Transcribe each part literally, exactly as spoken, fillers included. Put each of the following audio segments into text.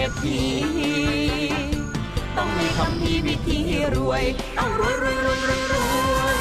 ษฐีต้องมีคำพีวิธีรวยต้องรวยรวยรวยรวยรวย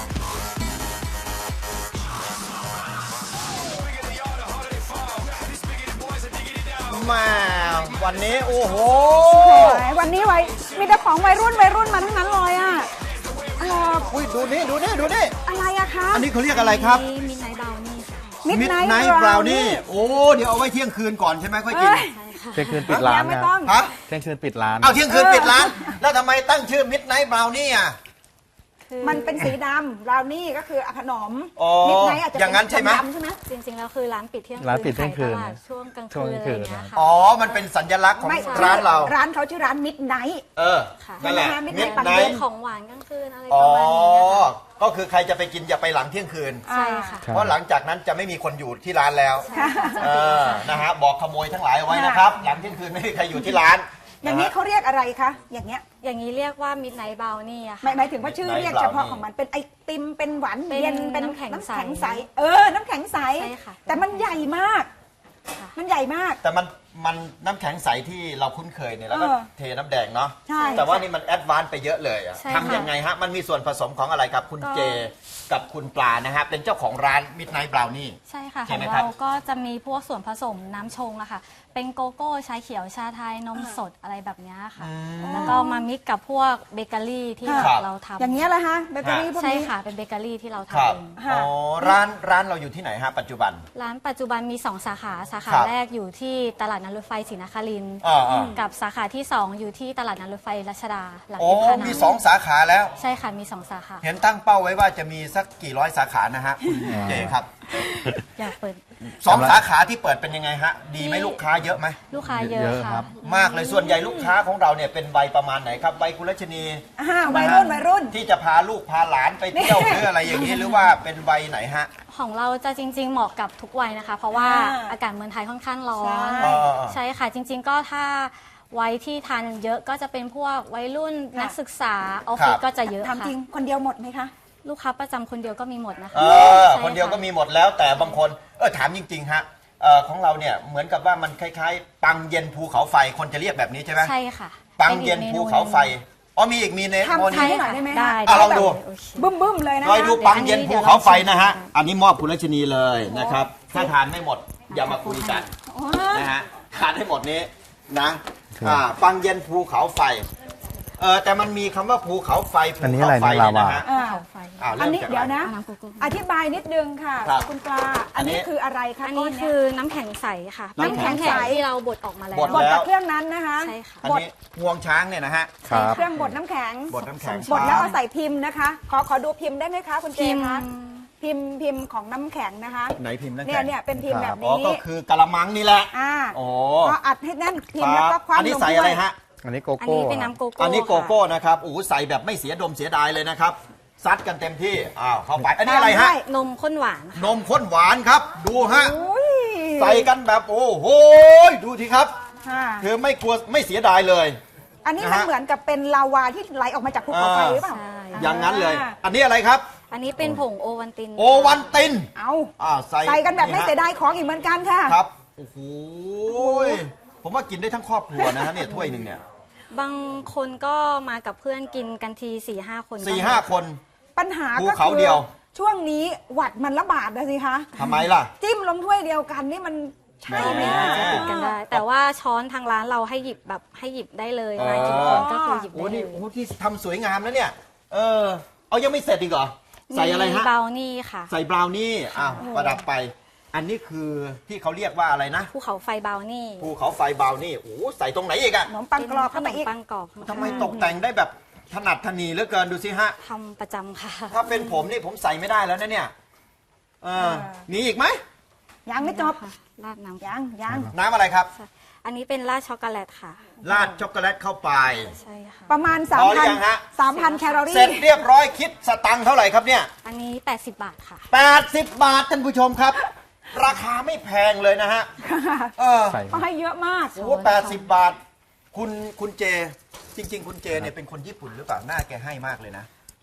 มาวันนี้โอ้โหวันนี้ไว้มีแต่ของวัยรุ่นวัยรุ่นมาทั้งนั้นเลยอ่ะอุ้ยดูนี่ดูนี่ดูนี่อะไรอะคะอันนี้เขาเรียกอะไรครับมิดไนท์บราวนี่มิดไนท์บราวนี่โอ้เดี๋ยวเอาไว้เที่ยงคืนก่อนใช่ไหมค่อยกินเที่ยงคืนปิดร้านนะฮะเที่ยงคืนปิดร้านเอาเที่ยงคืนปิดร้านแล้วทำไมตั้งชื่อมิดไนท์บราวนี่อ่ะมันเป็นสีดำบราวนี่ก็คือขนมมิดไนท์อาจจะอย่างนั้นใช่ไหมใช่ไหมจริงๆแล้วคือร้านปิดเที่ยงคืนร้านปิดเที่ยงคืนช่วงกลางคืนอะไรอย่างเงี้ยค่ะอ๋อมันเป็นสัญลักษณ์ของร้านเราร้านเขาชื่อร้านมิดไนท์เออนั่นแหละมิดไนท์ของหวานกลางคืนอะไรประมาณนี้ก็คือใครจะไปกินอย่าไปหลังเที่ยงคืนใช่ค่ะเพราะหลังจากนั้นจะไม่มีคนอยู่ที่ร้านแล้วเออนะฮะบอกขโมยทั้งหลายเอาไว้นะครับหลังเที่ยงคืนไม่มีใครอยู่ที่ร้านอย่างนี้เขาเรียกอะไรคะอย่างเงี้ยอย่างนี้เรียกว่ามิดไนท์บราวนี่อะค่ะหมายถึงว่าชื่อเรียกเฉพาะของมันเป็นไอติมเป็นหวานเย็นเป็นน้ำแข็งใสเออน้ำแข็งใสแต่มันใหญ่มากมันใหญ่มากแต่มันมันน้ำแข็งใสที่เราคุ้นเคยเนี่ยแล้วก็เทน้ำแดงเนาะใช่แต่ว่านี่มันแอดวานซ์ไปเยอะเลยอะทำยังไงฮะมันมีส่วนผสมของอะไรครับคุณเจกับคุณปลานะฮะเป็นเจ้าของร้านมิดไนท์บราวนี่ใช่ค่ะของเราก็จะมีพวกส่วนผสมน้ำชงอะค่ะเป็นโกโก้ชาเขียวชาไทยนมสดอะไรแบบนี้ค่ะแล้วก็มามิกกับพวกเบเกอรี่ที่เราทำอย่างเงี้ยเหรอฮะเบเกอรี่พวกนี้ใช่ค่ะเป็นเบเกอรี่ที่เราทำเองอ๋อร้านร้านเราอยู่ที่ไหนฮะปัจจุบันร้านปัจจุบันมีสองสาขาสาขาแรกอยู่ที่ตลาดนัดรถไฟศรีนครินทร์กับสาขาที่สองอยู่ที่ตลาดนัดรถไฟรัชดาหลังโอ้มีสองสาขาแล้วใช่ค่ะมีสองสาขาเห็นตั้งเป้าไว้ว่าจะมีสักกี่ร้อยสาขานะฮะคุณเจครับอยากเปิดสองสาขาที่เปิดเป็นยังไงฮะดีไหมลูกค้าเยอะไหมลูกค้าเยอะค่ะมากเลยส่วนใหญ่ลูกค้าของเราเนี่ยเป็นวัยประมาณไหนครับวัยคุณรัชนีวัยรุ่นวัยรุ่นที่จะพาลูกพาหลานไปเที่ยวหรืออะไรอย่างนี้หรือว่าเป็นวัยไหนฮะของเราจะจริงๆเหมาะกับทุกวัยนะคะเพราะว่าอากาศเมืองไทยค่อนข้างร้อนใช่ค่ะจริงๆก็ถ้าวัยที่ทานเยอะก็จะเป็นพวกวัยรุ่นนักศึกษาออฟฟิศก็จะเยอะค่ะทำจริงคนเดียวหมดไหมคะลูกค้าประจำคนเดียวก็มีหมดนะคะเออคนเดียวก็มีหมดแล้วแต่บางคนเออถามจริงๆฮะเออของเราเนี่ยเหมือนกับว่ามันคล้ายๆปังเย็นภูเขาไฟคนจะเรียกแบบนี้ใช่ไหมใช่ค่ะปังเย็นภูเขาไฟอ๋อมีอีกมีเนทำให้หน่อยได้ไหมได้ลองดูบึ้มบึ้มเลยนะลองดูปังเย็นภูเขาไฟนะฮะอันนี้มอบคุณรัชนีเลยนะครับถ้าทานไม่หมดอย่ามาคุยกันนะฮะทานให้หมดนี้นะปังเย็นภูเขาไฟเออแต่มันมีคำว่าภูเขาไฟภูเขาไฟนะฮะอันนี้เดี๋ยวนะอธิบายนิดนึงค่ะคุณปลาอันนี้คืออะไรคะอันนี้คือน้ำแข็งใสค่ะน้ำแข็งใสที่เราบดออกมาแล้วบดกับเครื่องนั้นนะคะใช่ค่ะอันนี้งวงช้างเนี่ยนะฮะเครื่องบดน้ำแข็งบดน้ำแข็งบดแล้วเอาใส่พิมพ์นะคะขอขอดูพิมพ์ได้ไหมคะคุณเจคะพิมพ์พิมพ์ของน้ำแข็งนะคะไหนพิมพ์น้ำแข็งเนี่ยเนี่ยเป็นพิมพ์แบบนี้ก็คือกะละมังนี่แหละอ่าโอ้ก็อัดให้แน่นพิมพ์แล้วก็คว้าลงด้วยอันนี้ใส่อะไรฮะอันนี้โกโก้อันนี้เป็นน้ำโกโก้อันนี้โกโก้นะครับโอ้ใส่แบบไม่เสียดมเสียดายเลยนะครับซัดกันเต็มที่อ้าวเข้าไปอันนี้อะไรฮะนมข้นหวานนมข้นหวานครับดูฮะใส่กันแบบโอ้โหดูทีครับคือไม่กลัวไม่เสียดายเลยอันนี้มันเหมือนกับเป็นลาวาที่ไหลออกมาจากภูเขาไฟหรือเปล่าอย่างนั้นเลยอันนี้อะไรครับอันนี้เป็นผงโอวัลตินโอวันตินเอาใส่กันแบบไม่เสียดายของอีกเหมือนกันค่ะครับโอ้โหผมว่ากินได้ทั้งครอบครัวนะฮะเนี่ยถ้วยหนึ่งเนี่ยบางคนก็มากับเพื่อนกินกันทีสี่ห้าคนสี่ห้าคนปัญหาก็คือช่วงนี้หวัดมันระบาดนะสิคะทำไมล่ะจิ้มลงถ้วยเดียวกันนี่มันใช่ไหมจะติดกันได้แต่ว่าช้อนทางร้านเราให้หยิบแบบให้หยิบได้เลยมากินก็คือหยิบได้เลยโอ้ที่ทำสวยงามนะเนี่ยเออเอายังไม่เสร็จอีกเหรอใส่อะไรฮะบราวนี่ค่ะใส่บราวนี่อ้าวประดับไปอันนี้คือที่เขาเรียกว่าอะไรนะภูเขาไฟบราวนี่ภูเขาไฟบราวนี่โอ้ใส่ตรงไหนอีกอะขนมปังกรอบขนมปังกรอบทำไมตกแต่งได้แบบถนัดถนีเหลือเกินดูสิฮะทำประจำค่ะถ้าเป็นผมนี่ผมใส่ไม่ได้แล้วนะเนี่ยเออมีอีกไหมยังไม่จบราดน้ำยังยังน้ำอะไรครับอันนี้เป็นราดช็อกโกแลตค่ะราดช็อกโกแลตเข้าไปใช่ค่ะประมาณสามพันสามพันแคลอรี่เสร็จเรียบร้อยคิดสตังค์เท่าไหร่ครับเนี่ยอันนี้แปดสิบบาทค่ะแปดสิบบาทท่านผู้ชมครับราคาไม่แพงเลยนะฮะเออก็ให้เยอะมากโอ้แปดสิบบาทคุณคุณเจจริงๆคุณเจเนี่ยเป็นคนญี่ปุ่นหรือเปล่าหน้าแกให้มากเลยนะ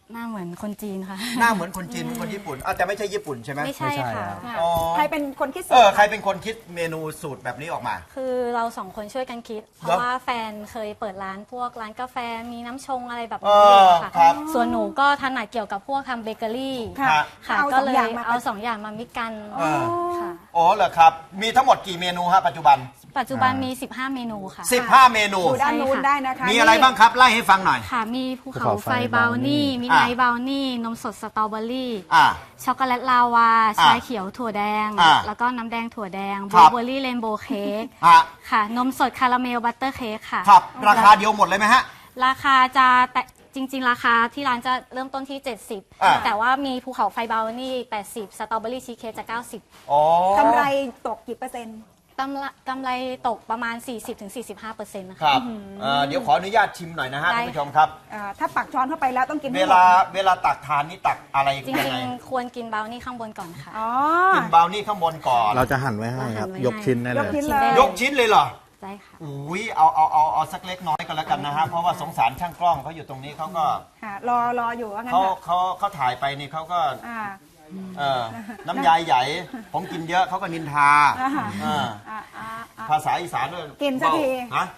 หน้าเหมือนคนจีนค่ะหน้าเหมือนคนจีนเหมือนคนญี่ปุ่นอ้าวแต่ไม่ใช่ญี่ปุ่นใช่ไหมไม่ใช่ค่ะอ๋อใครเป็นคนคิดสูเอตอรใครเป็นคนคิดเมนูสูตรแบบนี้ออกมาคือเราสองคนช่วยกันคิด เพเหรราะอว่าแฟนเคยเปิดร้านพวกร้านกาแฟมีน้ำชงอะไรแบบเอนี้ออยู่ค่ะครับส่วนหนูก็ถนัดเกี่ยวกับพวกทำเบเกอรี่ค่ะค่ะเอาก็สองเลยอย่างมาเอาสองอย่างมามิกกันเออค่ะอ๋อเหรอครับ มีทั้งหมดกี่เมนูฮะปัจจุบันปัจจุบันมี สิบห้า เมนูค่ะสิบห้า เมนูดูด้านนู้นได้นะคะมีอะไรบ้างครับ ไล่ให้ฟังหน่อยค่ะ มีภูเขาภูเขาไฟไฟบราวนี่บราวนี่มีอ่ะไนท์บราวนี่ นมสดสตรอเบอรี่อ่าช็อกโกแลตลาวา ชาเขียวถั่วแดงอ่ะแล้วก็น้ำแดงถั่วแดงครับบลูเบอร์รี่เรนโบว์เค้กฮะค่ะ นมสดคาราเมลบัตเตอร์เค้กค่ะครับ ราคาเดียวหมดเลยไหมฮะราคาจะแต่จริง ๆ ราคาที่ร้านจะเริ่มต้นที่ เจ็ดสิบอ่ะแต่ว่ามีภูเขาไฟบราวนี่ แปดสิบ สตรอเบอรี่ชีสเค้กจะ เก้าสิบอ๋อกำไรตกกี่เปอร์เซ็นต์กำไรกำไรตกประมาณ สี่สิบถึงสี่สิบห้าเปอร์เซ็นต์ นะคคะรับเอ่อเดี๋ยวขออนุญาตชิมหน่อยนะฮะได้ท่านผู้ชมครับอ่าถ้าปักช้อนเข้าไปแล้วต้องกินเวให้หมดลาเวลาตักทานนี่ตักอะไรจยังริงไงๆ ควรกินบราวนี่ข้างบนก่อนค่ะอ๋อกินบราวนี่ข้างบนก่อนเราจะหั่นไว้ให้ครับเราหั่นไว้ยกชิ้นได้เลยกชิ้นชิ้เลนได้ยยกชิ้นเลยเหรอได้ค่ะอุ้ยเอาเอาเอาเอาสักเล็กน้อยก็แล้วกันนะฮะ เพราะว่าสงสารช่างกล้องเขาอยู่ตรงนี้เขาก็ค่ะรอรออยู่ว่างั้นเขาเถอะเขาเขาถ่ายไปนี่เขาก็อ่าเออน้ำยายใหญ่ ผมกินเยอะเขาก็นินทาอ่าเอออ่าอ่าอ่าภาษาอีสานด้วยกินสักทีเบาฮะ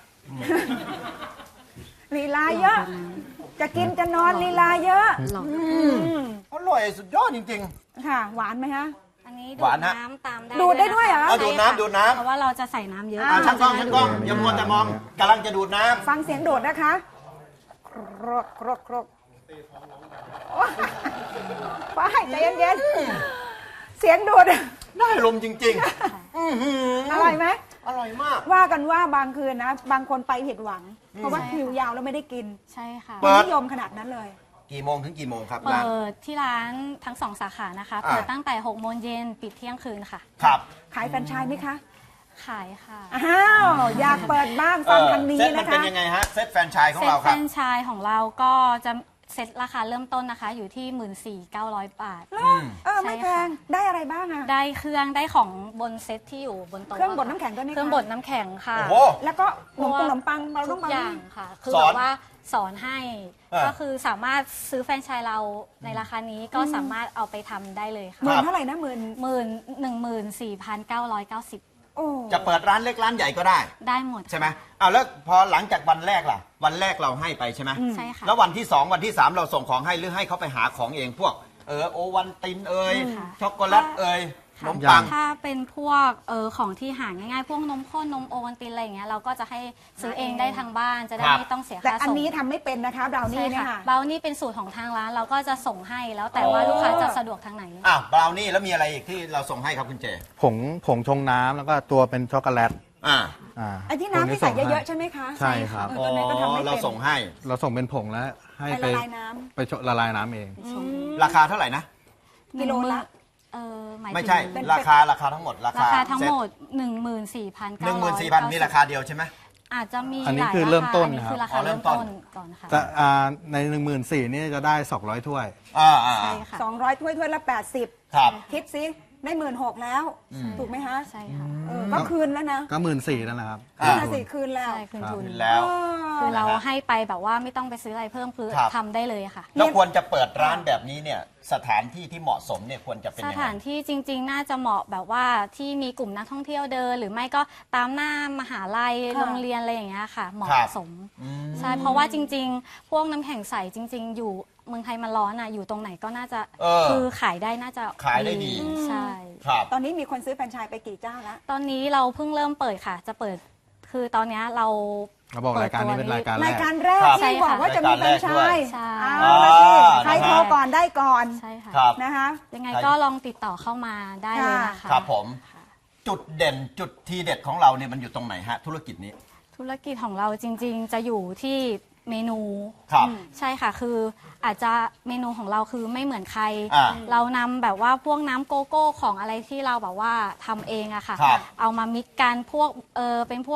ลีลาเยอะ จะกินจะนอนลีลาเยอะอร่อยสุดยอดจริงค่ะ หวานไหมฮะอันนี้หดูวาดนฮะน้ำตามได้ดูดได้ด้วยเหรอเอาดูดน้ำดูดน้ำเพราะว่าเราจะใส่น้ำเยอะๆอ่าช่างกล้องช่างกล้องอย่ามัวแต่มองกำลังจะดูดน้ำฟังเสียงโดดนะคะครกครกครกโอ๊ยไปใจเย็นๆ เสียงโดดได้ลมจริงๆอื้อหืออร่อยไหมอร่อยมากว่ากันว่าบางคืนนะ บางคนไปผิดหวัง เพราะว่าคิวยาวแล้วไม่ได้กินใช่ค่ะเปิดนิยมขนาดนั้นเลยกี่โมงถึงกี่โมงครับเปิร้านดที่ร้านทั้งสองสาขานะคะอ่าเปิดตั้งแต่หกโมงเย็นปิดเที่ยงคืนค่ะครับขายแฟรนไชส์ไหมคะขายค่ะอ้าว อยากเปิดบ้างฟังทางนี้เซตมันะนเป็นคะยังไงฮะ เซตแฟรนไชส์ของเซ็ตเราแฟครรับนไชส์ของเราก็จะเซ็ตราคาเริ่มต้นนะคะ อยู่ที่ หนึ่งหมื่นสี่พันเก้าร้อย บาทอืมเออ ไม่แพง ได้อะไรบ้างอะได้เครื่องได้ของบนเซ็ตที่อยู่บนโต๊ะเครื่องบดน้ำแข็งด้วยไหมคะเครื่องบดน้ำแข็งค่ะโอ้โหแล้วก็ขนมปังขนมปังเราทุต้องกมาอย่างค่ะ คือสอนแบบว่าสอนให้เออก็คือสามารถซื้อแฟรนไชส์เราในราคานี้ก็สามารถเอาไปทำได้เลยค่ะหมื่นเท่าไหร่นะหมื่นหมื่นหนึ่งหมื่นสี่พันเก้าร้อยเก้าสิบโอ้จะเปิดร้านเล็กร้านใหญ่ก็ได้ได้หมดใช่ไหมอ้าวแล้วพอหลังจากวันแรกล่ะ วันแรกเราให้ไปใช่ไหมใช่ค่ะแล้ววันที่สองวันที่สามเราส่งของให้หรือให้เขาไปหาของเองพวก เออโอวันตินเอยค่ะช็อกโกแลตเอยขนมค่ะปังถ้าเป็นพวกเออของที่หาง่ายๆ พวกนมข้นนมโอวัลตินอะไรอย่างเงี้ยเราก็จะให้ซื้อเองได้ทางบ้านจะได้ครับไม่ต้องเสียแต่ค่าอันส่งนี้ทำไม่เป็นนะคะบราวนี่ใช่เนี่ยค่ะค่ะเบลนี่เป็นสูตรของทางร้านเราก็จะส่งให้แล้วแต่ว่าอ๋อลูกค้าจะสะดวกทางไหนอ้าวบราวนี่แล้วมีอะไรอีกที่เราส่งให้ครับคุณเจผงผงชงน้ำแล้วก็ตัวเป็นช็อกโกแลตอ่าอ่าไอ้ที่น้ำที่ใส่เยอะๆๆใช่ไหมคะใช่ครับเออตัวนี้ก็ทำไม่เราเป็นส่งให้เราส่งเป็นผงแล้วให้ไปไปละลายน้ไปชละลายน้ำเองราคาเท่าไหร่นะำกิโลละเออหมายไม่ถึงใช่เป็นราคาราคาทั้งหมดราราคาคาทั้งหมด หนึ่งหมื่นสี่พันหเก้านึ่งหร้มื่อน ยสี่พันมีราคาเดียวใช่ไหมอาจจะมีอันนี้หลายคือเริ่มต้นราคาอันนี้ครับคือราคาอ๋อเริ่เริ่มมต้ต้นนก่อนค่ะแต่อ่าในหนึ่งหมื่นสี่นี่จะได้สองร้อยถ้วยอ่าอ่าใช่ค่ะสองร้อยถ้วยถ้วยละแปดสิบครับคิดสิได้หมื่นหกแล้ว ถูกไหมคะใช่ค่ะเออก็คืนแล้วนะก็หมื่นสี่นั่นแหละครับอ่าห้าสี่คืนแล้วใช่คืนทุนแล้วคือเรานะฮะให้ไปแบบว่าไม่ต้องไปซื้ออะไรเพิ่มคือครับทำได้เลยค่ะแล้วควรจะเปิดร้านแบบนี้เนี่ยสถานที่ที่เหมาะสมเนี่ยควรจะเป็นสยังไงถานที่จริง ๆ น่าจะเหมาะแบบว่าที่มีกลุ่มนักท่องเที่ยวเดิน หรือไม่ก็ตามหน้ามหาลัยค่ะโรงเรียนอะไรอย่างเงี้ยค่ะ เหมาะครับสมอืมใช่เพราะว่าจริง ๆ พวกน้ำแข็งใสจริง ๆ อยู่เมืองไทยมันร้อนอ่ะอยู่ตรงไหนก็น่าจะเออคือขายได้น่าจะขายได้ดีใช่ครับตอนนี้มีคนซื้อแฟรนไชส์ไปกี่เจ้าแล้วตอนนี้เราเพิ่งเริ่มเปิดค่ะ จะเปิดคือตอนเนี้ยเราเราบอกรายการนี้เป็นรายการแรรายกการแรกครับที่บอกว่าจะมีแฟรนไชส์ใช่เอาละสิอ่าใครโทรก่อนได้ก่อนใช่ค่ะครับนะคะยังไงก็ลองติดต่อเข้ามาได้เลยนะคะครับผม จุดเด่นจุดทีเด็ดของเราเนี่ยมันอยู่ตรงไหนฮะ ธุรกิจนี้ธุรกิจของเราจริง ๆ จะอยู่ที่เมนูครับใช่ค่ะ คืออาจจะเมนูของเราคือไม่เหมือนใครอ่าเรานำแบบว่าพวกน้ำโกโก้ของอะไรที่เราแบบว่าทำเองอะค่ะครับเอามามิกกันพวกเออเป็นพวก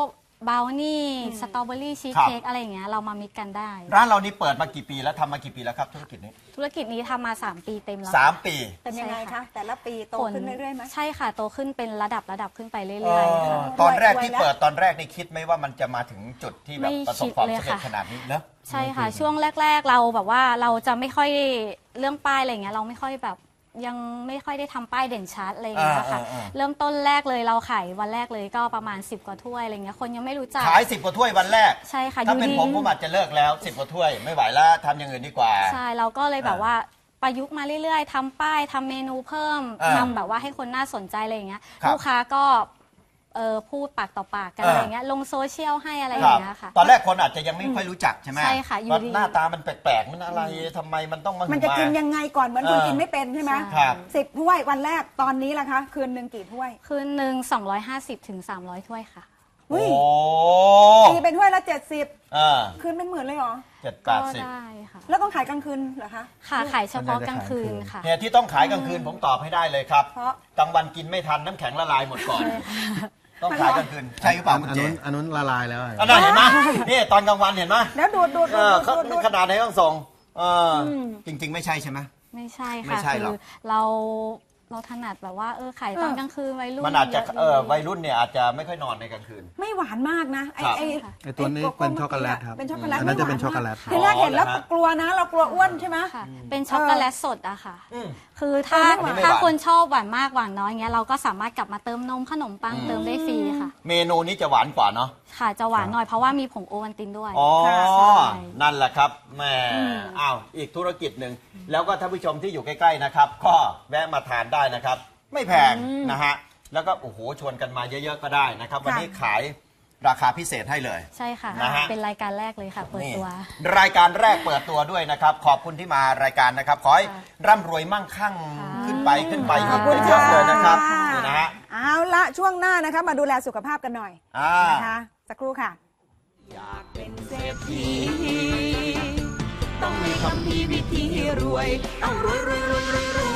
บราวนี่สตรอเบอรี่ชีสครับเค้กอะไรอย่างเงี้ยเรามามิกกันได้ร้านเรานี่เปิดมากี่ปีแล้วทำมากี่ปีแล้วครับธุรกิจนี้ธุรกิจนี้ทำมา สาม ปีเต็มแล้วสามปีเป็นยังไงใช่คะค่ะแต่ละปีโตผลขึ้นเรื่อยๆไหมใช่ค่ะโตขึ้นเป็นระดับระดับขึ้นไปเรื่เออยๆอค่ะตอนแรกที่รวยแล้วเปิดตอนแรกนี่คิดไหมว่ามันจะมาถึงจุดที่แบบไม่ประสบความคิดเลยสำเร็จค่ะขนาดนี้เนอะใช่ค่ะ ช่วงแรก ๆ เราแบบว่าเราจะไม่ค่อยเรื่องป้ายอะไรอย่างเงี้ยเราไม่ค่อยแบบยังไม่ค่อยได้ทำป้ายเด่นชัดอะไรอย่างเงี้ยค่ะอ่าอ่าอ่าเริ่มต้นแรกเลยเราขายวันแรกเลยก็ประมาณสิบกว่าถ้วยอะไรเงี้ยคนยังไม่รู้จักขายสิบกว่าถ้วยวันแรกใช่ค่ะถ้าเป็นอยู่ดีผมผมอาจจะเลิกแล้วสิบกว่าถ้วยไม่ไหวแล้วทำอย่างอื่นดีกว่าใช่เราก็เลยแบบว่าประยุกต์มาเรื่อยๆทำป้ายทำเมนูเพิ่มอ่าทำแบบว่าให้คนน่าสนใจอะไรอย่างเงี้ยครับลูกค้าก็เออพูดปากต่อปากกันอ่าอะไรอย่างเงี้ยลงโซเชียลให้อะไรอครัย่าบงเงี้ยค่ะตอนแรกคนอาจจะยังไม่ค่อยรู้จักใช่ไหมใช่ค่ะอยู่ว่าดีหน้าตามันแปลกๆมันอะไรทำไมมันต้องมามันจะกินยังไงก่อนเหมือนคุณเออกินไม่เป็นใช่ไหมครับสิบถ้วยวันแรกตอนนี้ล่ะคะ คืนหนึ่งกี่ถ้วยคืนหนึ่งสองร้อยห้าสิบถึงสามร้อยถ้วยค่ะเฮ้ยโอ้ตีเป็นถ้วยละเจ็ดสิบอ่าคืนเป็นหมื่นเลยเหรอเจ็ดแปก็ดสิบได้ค่ะแล้วต้องขายกลางคืนเหรอคะค่ะขายเฉพาะกลางคืนค่ะเนี่ยที่ต้องขายกลางคืนผมตอบให้ได้เลยครับเพราะกลางวันกินไม่ทันน้ำแข็งละลายหมดก่อน ต้องขายกลางคืนใช่หรือเปล่าคุณอันเจนู้นอันนู้นละลายแล้วอะอันนั้นเห็นไหมนี่ตอนกลางวันเห็นไหมแล้วดูดดูดเอดูอดเขาดูดดูดขนาดไหนต้องส่งเอออจริง ๆ ไม่ใช่ใช่ไหมไม่ใช่ไม่ค่ะใช่หรคือกอเราเราถนัดแบบว่าเออขายตอนกลางคืนวัยรุ่นมันอาจจะยเออวัยรุ่นเนี่ยอาจจะไม่ค่อยนอนในกลางคืนไม่หวานมากนะไอ้ครับไอ้ไอตัวนี้โโเป็นช็อกโกแลตครับเป็นช็อกโกแลตอันนั้นจะเป็นไม่หวาช็อกโกแลตทีแรกเห็นแล้วอ๋อนะฮะกลัวนะ เรากลัวอ้วนใช่ไหมค่ะเป็นช็อกโกแลตสดอะค่ะอืมคือถ้าเออไม่หวานถ้าคนชอบหวานมากหวานน้อยเงี้ยเราก็สามารถกลับมาเติมนมขนมปังเติมได้ฟรีค่ะเมนูนี้จะหวานกว่าเนาะค่ะจะหวานหน่อยเพราะว่ามีผงโอวัลตินด้วยอ๋อใช่นั่นแหละครับแหม่อ้าวอีกธุรกิจหนึ่งแล้วก็ท่านผู้ชมที่อยู่ใกล้ๆนะครับ ก็แวะมาทานได้นะครับ ไม่แพงนะฮะแล้วก็โอ้โหชวนกันมาเยอะๆก็ได้นะครับ วันนี้ขายราคาพิเศษให้เลยใช่ค่ะนะฮะเป็นรายการแรกเลยค่ะเปิดนี่ตัวรายการแรกเปิดตัวด้วยนะครับ ขอบคุณที่มารายการนะครับ ขอให้ร่ำรวยมั่งคั่งค่ะขึ้นไปขึ้นไปขอบคุณเยอะๆเลยนะครับค่ะนี่นะฮะเอาละช่วงหน้านะคะมาดูแลสุขภาพกันหน่อยอ่านะคะสักครู่ค่ะอยากเป็นเศรษฐีต้องมีคำพีวิธีรวย ต้องรวยรวยรวยรวยรวย